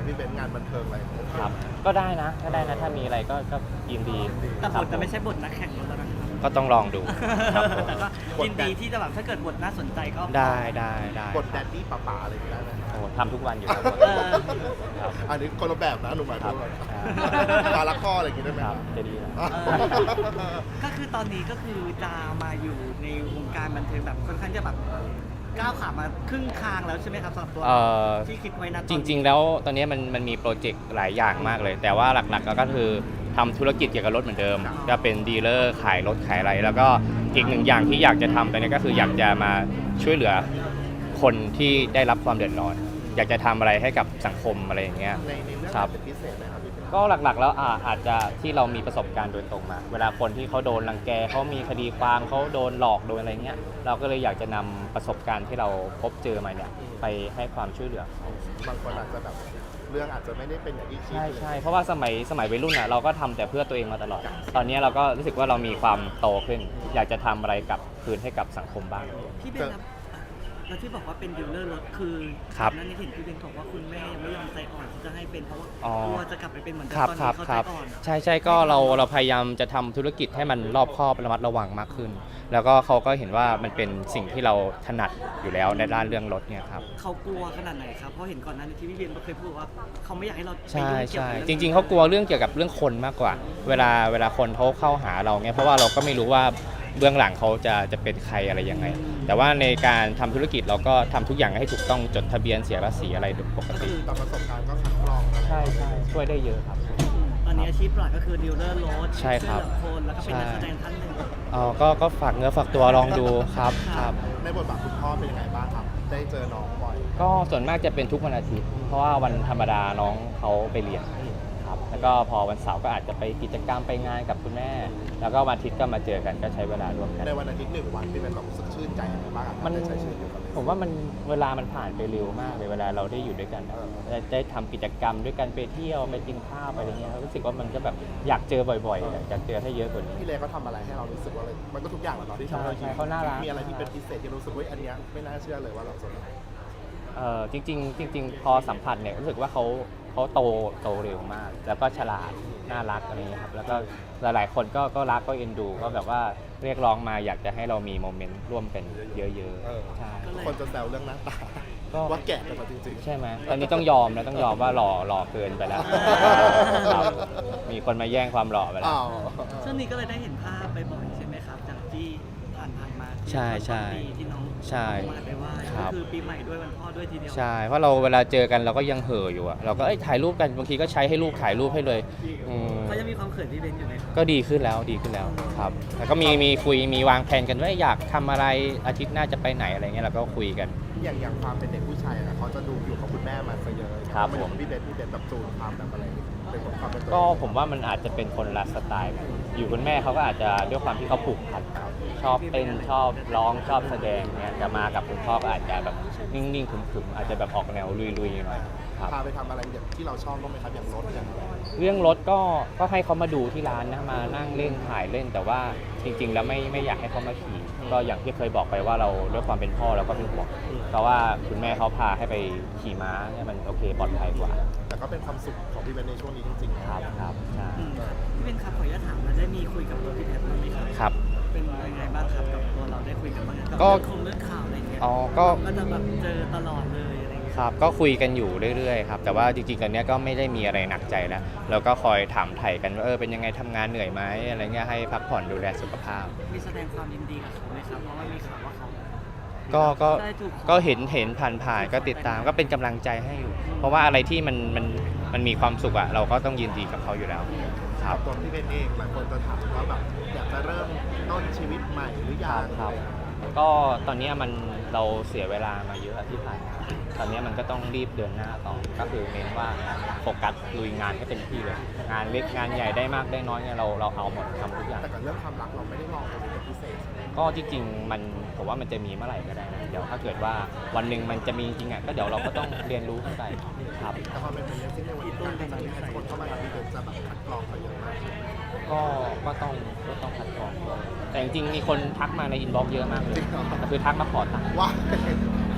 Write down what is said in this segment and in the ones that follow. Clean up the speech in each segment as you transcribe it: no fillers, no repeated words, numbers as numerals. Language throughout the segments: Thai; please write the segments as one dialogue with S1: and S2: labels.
S1: พี่เบนซ์งานบันเทิงอะไร
S2: ครับก็ได้นะถ้ามีอะไรก็ยินดี
S3: แต่
S2: ครับ
S3: บทจะไม่ใช่บทนักแข่งรถแล้วนะครับ
S2: ก็ต้องลองดูครับผม
S3: แต่ก็ยินดีที่จะแบบถ้าเกิดบทน่าสนใจก็
S2: ได้
S1: บทแดดดี้ป๋าอะไรอย่างเงี้ยได้ไหม
S2: โอ้โหทำทุกวันอยู่ครับ
S3: เออ
S2: ครับ
S1: อันนี้คนละแบบนะหนูหมายถึงว่าปลาละข้ออะไรอย่างงี้ได้ไหม
S2: ครับจะดีนะ
S3: ก็คือตอนนี้ก็คือจะมาอยู่ในวงการบันเทิงแบบค่อนข้างจะแบบก้าวขามาครึ่งทางแล้วใช่ไหมครับสำหรับตัวที่คิดไว้นะ
S2: จริงๆแล้วตอนนี้มันมีโปรเจกต์หลายอย่างมากเลย แต่ว่าหลักๆก็คือทำธุรกิจเกี่ยวกับรถเหมือนเดิมจะเป็นดีลเลอร์ขายรถขายอะไร แล้วก็อีกหนึ่งอย่างที่อยากจะทำตอนนี้ก็คืออยากจะมาช่วยเหลือคนที่ได้รับความเดือดร้อน อยากจะทำอะไรให้กับสังคมอะไรอย่างเงี้ย
S1: ในเรื่อง
S2: ครับ
S1: เป็นพิเศษไหมครับพี่เบนซ์
S2: ก็หลักๆแล้วอาจจะที่เรามีประสบการณ์โดยตรงมา เวลาคนที่เขาโดนรังแกเขามีคดีความเขาโดนหลอกโดนอะไรเงี้ยเราก็เลยอยากจะนำประสบการณ์ที่เราพบเจอมาเนี่ยไปให้ความช่วยเหลือเขา
S1: บางคนอาจจะแบบเรื่องอาจจะไม่ได้เป็นอย่างที่คิด
S2: ใช่เพราะว่าสมัยวัยรุ่นอ่ะเราก็ทำแต่เพื่อตัวเองมาตลอด ตอนนี้เราก็รู้สึกว่าเรามีความโตขึ้น อยากจะทำอะไรกลับคืนให้กับสังคมบ้าง
S3: พี่เบนครับแล้วที่บอกว่าเป็นดีลเลอร์รถคือ
S2: ครับ
S3: นั่นนี่เห็นพี่เบนบอกว่าคุณแม่ยังไม่ยอมใจอ่อนที่จะให้เป็นเพราะว่า
S2: อ๋อ
S3: กลัวจะกลับไปเป็นเหมือนเดิม
S2: ครับ
S3: ตอน
S2: ครั
S3: นี้
S2: บ
S3: เขา
S2: ค
S3: ใจ
S2: รับ
S3: อ่อน
S2: ใช่ก็เราพยายามจะทำธุรกิจให้มันรอบคอบระมัดระวังมากขึ้น แล้วก็เขาก็เห็นว่ามันเป็นสิ่งที่เราถนัดอยู่แล้วในด้านเรื่องรถเนี่ยครับ
S3: เขากลัวขนาดไหนครับเพราะเห็นก่อนหน้านี้ที่พี่เบนเคยพูดว่าเขาไม่อยากให้เราไป
S2: ใช่
S3: ยุ่งเกี่ยว
S2: ใช่
S3: กับ
S2: จริง ๆเขากลัวเรื่องเกี่ยวกับเรื่องคนมากกว่า เวลาคนเขาเข้าหาเราเนี่ยเพราะว่าเราก็ไม่รู้ว่าเบื้องหลังเขาจะเป็นใครอะไรยังไง แต่ว่าในการทำธุรกิจเราก็ทำทุกอย่างให้ถูกต้องจดทะเบียนเสียภาษีอะไรปกติ
S1: แต่ประสบการณ์ก็คัดกรองนะ
S2: ใช่ช่วยได้เยอะครับ
S3: ตอนนี้อาชีพหลักก็คือดีลเลอร์รถ
S2: ใช่ครับ
S3: ช่วยเหลือคนแล้วก็เป็นนักแสดงท่านหนึ่ง
S2: ก็ฝากเนื้อฝากตัวลองดูครับ
S1: ในบทบาทคุณพ่อเป็นยังไงบ้างครับ ได้เจอน้องบ่อย
S2: ก็ส่วนมากจะเป็นทุกวันอาทิตย์ เพราะว่าวันธรรมดาน้องเขาไปเรียนครับแล้วก็พอวันเสาร์ก็อาจจะไปกิจกรรมไปงานกับคุณแม่ แล้วก็วันอาทิตย์ก็มาเจอกันก็ใช้เวลาร่วมกัน
S1: ในวันอาทิตย์หนึ่งวันที่เป็นแบบรู้สึกชื่นใจยังไงบ้างครับ
S2: มัน
S1: ได้ใช้ชีวิตอยู่กับ
S2: ผมว่ามันเวลามันผ่านไปเร็วมากเลยเวลาเราได้อยู่ด้วยกันได้ทำกิจกรรมด้วยกันไปเที่ยวไปกินข้าวไปอะไรเงี้ยรู้สึกว่ามันก็แบบอยากเจอบ่อยๆอยากเจอให้เยอะกว่านี้
S1: พี่เลก็ทำอะไรให้เรารู้สึกว่าอะไรมันก็ทุกอย่างแหละเนาะที่ทำให้เรา
S2: ใช่เขาน่ารัก
S1: มีอะไรที่เป็นพิเศษที่รู้สึกว่าอันเนี้ยไม่น่าเชื่อเลยว่าเราจะ
S2: จริงพอสัมผัสเนี่ยรู้สึกว่าเขาโตเร็วมาก แล้วก็ฉลาดน่ารักอะไรเงี้ยครับแล้วก็หลายๆคนก็รักก็เอ็นดูก็แบบว่าเรียกร้องมาอยากจะให้เรามีโมเมนต์ร่วมกันเยอะๆใช่
S1: ทุกคนจะแซวเรื่องหน้าตา
S2: ก็
S1: ว่าแก่กันมาจริงๆ
S2: ใช่ไหมตอนนี้ต้องยอมว่าหล่อเกินไปแล้วครับมีคนมาแย่งความหล่อไปแล้ว
S1: อ้าว
S3: ช่วงนี้ก็เลยได้เห็นภาพบ่อยๆใช่ไหมครับจากที่ผ่านมา
S2: ใช่
S3: ปีที่น้อง
S2: ใช่
S3: มาไปไหว้
S2: ครับ
S3: ก็คือปีใหม่ด้วยวันพ่อด้วยทีเดียว
S2: ใช่เพราะเราเวลาเจอกันเราก็ยังเห่ออยู่อะเราก็ถ่ายรูปกันบางทีก็ใช้ให้ลูกถ่ายรูปให้เลยม
S3: เขายังมีความเขินพี่เบนอยู่ไหมครับ
S2: ก็ดีขึ้นแล้วครับแล้วก็มีคุยมีวางแผนกันว่าอยากทำอะไรอาทิตย์หน้าจะไปไหนอะไรเงี้ยเราก็คุยกัน
S1: อย่างความเป็นเด็กผู้ชายอะเขาจะดูอยู่กับคุณแม่มาซะเยอะ
S2: ครับ
S1: ไม่เห
S2: ผ
S1: อน
S2: ม
S1: พี่เบนแบบจูนความแบบอะไรเป็นความเป็นตัว
S2: ก็
S1: เอง
S2: ผมว่ามันอาจจะเป็นคนละสไตล์กันอยู่คุณแม่เขาก็อาจจะด้วยความที่เขาผูกพันชอบเต้นชอบร้องชอบแสดงเนี่ยแต่มากับคุณพ่อก็อาจจะแบบนิ่งๆขรึมๆอาจจะแบบออกแนวลุยๆหน่อยครับ
S1: พาไปทำอะไรอย่างที่เราชอบบ้างไหมครับอย่างรถอย่างอะไร
S2: เรื่องรถก็ให้เขามาดูที่ร้านนะมานั่งเล่นถ่ายเล่น แต่ว่าจริง ๆ แล้วไม่อยากให้เขามาขี่ก็อย่างที่เคยบอกไปว่าเราด้วยความเป็นพ่อเราก็เป็นห่วงเพราะว่าคุณแม่เขาพาให้ไปขี่ม้าเนี่ยมันโอเคปลอดภัยกว่า
S1: แต่ก็เป็นความสุขของพี่เบนในช่วงนี้จริงๆ
S2: ครับใช่
S3: พี่เบนครับขออนุญาตถามนะได้มีคุยกับตัวพี่แพทย์บ้างไหมครับ
S2: ครับ
S3: เป็นยังไงบ้างครับกับตัวเราได้คุยกันบ้างไหมกับ
S2: ก็
S3: เรื่องข่าวอะไรเงี้ย
S2: อ๋อก็
S3: ก็จะแบบเจอตลอดเลยอะไรเงี้ย
S2: ครับก็คุยกันอยู่เรื่อยๆครับแต่ว่าจริงๆตอนนี้ก็ไม่ได้มีอะไรหนักใจแล้วเราก็คอยถามไถ่กันว่าเป็นยังไงทำงานเหนื่อยไหมอะไรเงี้ยให้พักผ่อนดูแลสุขภาพ
S3: มีแสดงความยินดีกับเขาไหมครับเพราะว่ามีข่าวว่าเขา
S2: ก็
S3: ได้ถูก
S2: ก็เห็นผ่านๆก็ติดตามก็เป็นกำลังใจให้อยู่ เพราะว่าอะไรที่มันมีความสุขอะเราก็ต้องยินดีกับเขาอยู่แล้วครับ
S1: ตัวพี่เบนเองหลายคนจะถามว่าแบบอยากจะเริ่มต้นชีวิตใหม่หรือยัง
S2: ครับก็ตอนนี้เราเสียเวลามาเยอะที่ผ่านมาตอนนี้มันก็ต้องรีบเดินหน้าต่อก็คือเน้นว่าโฟกัสลุยงานให้เต็มที่เลยงานเล็กงานใหญ่ได้มากได้น้อยเนี่ยเราเอาหมดทำทุกอย่าง
S1: แต่กับเรื่องความรักเราไม่ได้มองเป็นพิเศษใช่ไหม
S2: ก็จริงๆผมว่ามันจะมีเมื่อไหร่ก็ได้นะเดี๋ยวถ้าเกิดว่าวันหนึ่งมันจะมีจริงอ่ะก็เดี๋ยวเราก็ต้องเรียนรู้ขึ้นไปครับ
S1: แต่พอเป็นเรื่องที่ในวันนี้การจะมีให้คนเข้ามากับพี่เบนจะแบบคัดกรองเขาเยอะมาก
S2: ก็ต้องคัดกรองแต่จริงๆมีคนทักมาในอินบ็อกซ์เยอะมากเลยแต่คือทักมาขอตังค์
S1: ว่า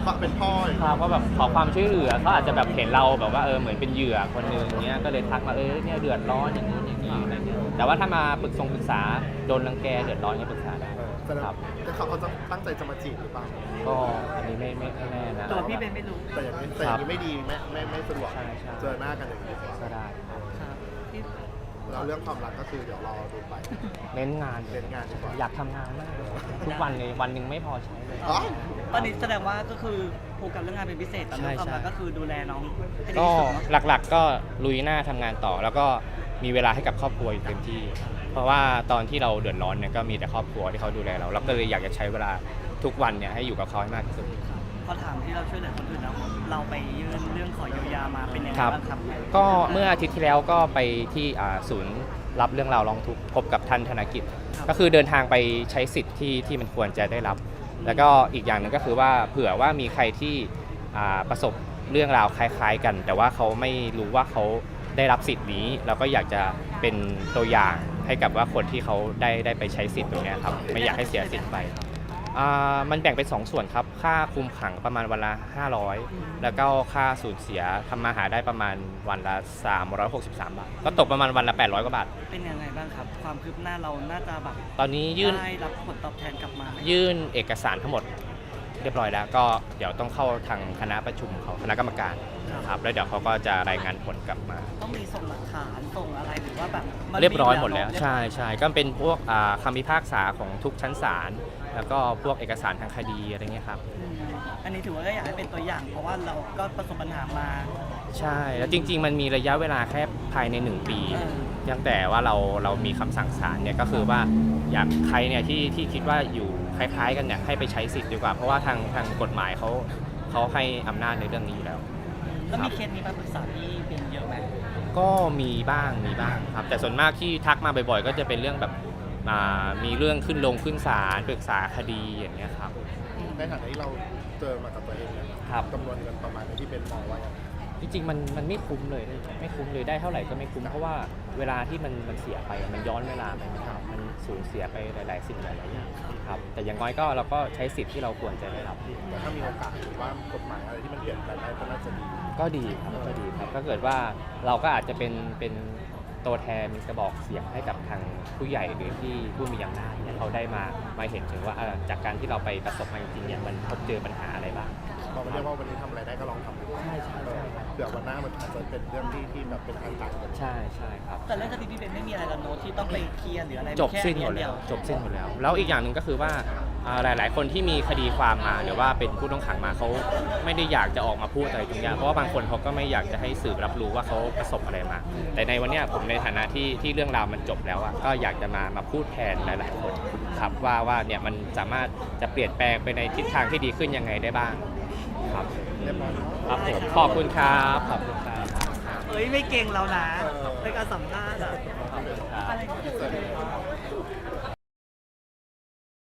S1: เพราะเป็นพ่ออย่าง
S2: ค
S1: เงี้ย
S2: รับก็แบบขอความช่วยเหลือเขาอาจจะแบบเห็นเราแบบว่าเหมือนเป็นเหยื่อคนหนึ่งเงี้ยก็เลยทักมาเนี่ยเดือดร้อนอย่างนู้นอย่างนี้อะไรเงี้ยแต่ว่าถ้ามาปรึกษาโดนรังแกเดือดร้อนเนี่ยปรึกษาได้
S1: แสดง
S2: ครับ
S1: แต่เขาจะตั้งใจจะมาจีบหรือเปล่า
S2: ก็อันนี้ไม่แน่นะ
S3: ตัวพี่เบนไม่รู้
S1: แต่อย่างนี้ไม่ดีไม่สะดวก
S2: ใช่
S1: เจอหน้ากันอย่างนี้
S2: ก็ได้ครับ
S3: ครับที่
S1: แล้วเรื่องความรักก็คือเดี๋ยวรอดูไป
S2: เน้นงาน
S1: เรียนงานดีกว่า
S2: อยากทำงานมากเลยทุกวันเลยวันหนึ่งไม่พอใช้เลย
S1: อ๋อ
S3: ตอนนี้แสดงว่าก็คือโฟกัสเรื่องงานเป็นพิเศษแต่เรื่องความรัก
S2: ใช่
S3: ก็คือดูแลน้องให้ดี
S2: ก็
S3: ที่สุดเนอะ
S2: หลักๆก็ลุยหน้าทำงานต่อ แล้วก็มีเวลาให้กับครอบครัวอยู่เต็มที่ เพราะว่าตอนที่เราเดือดร้อนเนี่ยก็มีแต่ครอบครัวที่เขาดูแลเราเราก็เลยอยากจะใช้เวลาทุกวันเนี่ยให้อยู่กับเขาให้มากที่สุด
S3: พอถามที่เราช่วยเหลือคนอื่นแล้วเราไปยื่นเรื่องขอเยียวยามาเป็นยังไง
S2: ครับ
S3: บ้างครับ
S2: ก็เมื่ออาทิตย์ที่แล้วก็ไปที่ศูนย์รับเรื่องราวร้องทุกข์พบกับท่านธนกิจ ก็คือเดินทางไปใช้สิทธิ์ที่มันควรจะได้รับ แล้วก็อีกอย่างหนึ่งก็คือว่าเผื่อว่ามีใครที่ประสบเรื่องราวคล้ายๆกัน แต่ว่าเขาไม่รู้ว่าเขาได้รับสิทธิ์นี้เราก็อยากจะเป็นตัวอย่างให้กับว่าคนที่เขาได้ไปใช้สิทธิ์ตรงเนี้ยครับไม่อยากให้เสียสิทธิ์ไปมันแบ่งเป็น 2 ส่วนครับค่าคุมขังประมาณวันละ500แล้วก็ค่าสูญเสียทำมาหาได้ประมาณวันละ363 บาทก็ตกประมาณวันละ800 กว่าบาท
S3: เป็นยังไงบ้างครับ ความคืบหน้าเราน่าจะแบบ
S2: ตอนนี้ยื่น
S3: ได้รับผลตอบแทนกลับมาไหม
S2: ยื่นเอกสารทั้งหมดเรียบร้อยแล้วก็เดี๋ยวต้องเข้าทางคณะประชุมเขาคณะกรรมการครับแล้วเดี๋ยวเขาก็จะรายงานผลกลับมา
S3: ต้องมีส่งหลักฐานส่งอะไรหรือว่าแบบมัน
S2: เรียบร้อยหมดแล้ว
S3: เรียบร้อย
S2: ใช่ก็เป็นพวกคำพิพากษาของทุกชั้นศาลแล้วก็พวกเอกสารทางคดีอะไรเงี้ยครับ
S3: อืมอันนี้ถือว่าก็อยากให้เป็นตัวอย่าง เพราะว่าเราก็ประสบปัญหามา
S2: ใช่แล้วจริง ๆ มันมีระยะเวลาแค่ภายใน 1 ปี
S3: เออ
S2: ยังแต่ว่าเรามีคำสั่งศาลเนี่ยก็คือว่าอยากใครเนี่ยที่คิดว่าอยู่คล้ายๆกันเนี่ยให้ไปใช้สิทธิ์ดีกว่าเพราะว่าทางกฎหมายเขาให้อำนาจในเรื่องนี้อยู่แล้ว
S3: แล้วมีเคสนี้มาปรึกษาพี่เป็นเยอะไหม
S2: ก็มีบ้างครับแต่ส่วนมากที่ทักมาบ่อยๆ ก็จะเป็นเรื่องแบบมีเรื่องขึ้นศาลปรึกษาคดีอย่างเงี้ยครับ
S1: ในฐานะที่เราเจอมากับตัวเองเนี่ย
S2: ครับ
S1: จำนวนเงินประมาณนี้ที่เป็นมองว่าอย่างไร
S2: จริงๆมันไม่คุ้มเลยได้เท่าไหร่ก็ไม่คุ้มเพราะว่าเวลาที่มันเสียไปมันย้อนเวลาไปมันสูญเสียไปหลายๆสิ่งหลายๆอย่างครับแต่อย่างน้อยก็เราก็ใช้สิทธิ์ที่เราควรจะได้รับ
S1: แต่ถ้ามีโอกาสหรือว่ากฎหมายอะไรที่มันเปลี่ยนแปลงได้ก็น่าจะดี
S2: ก็ดีครับก็เกิดว่าเราก็อาจจะเป็นตัวแทนกระบอกเสียงให้กับทางผู้ใหญ่หรือที่ผู้มีอำนาจเนี่ยเขาได้มาเห็นถึงว่าจากการที่เราไปประสบมาจริงๆเนี่ยมันพบเจอปัญหาอะไรบ้าง
S1: บอกมาเรียกว่าวันนี้ทำอะไรได้ก็ลองทำดู
S2: ใช่
S1: เดี๋ยววันหน้ามันอาจจะเป็นเรื่องที่แบบเป็นทางการกัน
S2: ใช่ครับ
S3: แต่เรื่องคดีพี่เป็นไม่มีอะไรแล้วโน้ตที่ต้องไปเคลียร์หรืออะไร
S2: จบ
S3: แค่
S2: สิ้น
S3: อั
S2: หมด
S3: เดี
S2: แล้
S3: ยว
S2: จบสิ้นหมดแล้ว แล้วอีกอย่างหนึ่งก็คือว่าหลายๆ คนที่มีคดีความมาหรือว่าเป็นผู้ต้องขังมาเขาไม่ได้อยากจะออกมาพูดอะไรตรงนี้เพราะว่าบางคนเขาก็ไม่อยากจะให้สื่อรับรู้ว่าเขาประสบอะไรมา แต่ในวันเนี้ยผมในฐานะที่เรื่องราวมันจบแล้วก็อยากจะมาพูดแทนหลายๆคนครับว่าเนี่ยมันสามารถจะเปลี่ยนแปลงไปในทิศทางที่ดีขึ้นยังไงได้บ้างครับ
S1: เรียบร้อย
S2: ครับผมขอบคุณครับขอบคุณครับ
S3: เอ้ยไม่เก่งแล้วนะในการสัมภาษณ์อะ
S2: ขอบคุณครับ
S3: อะไร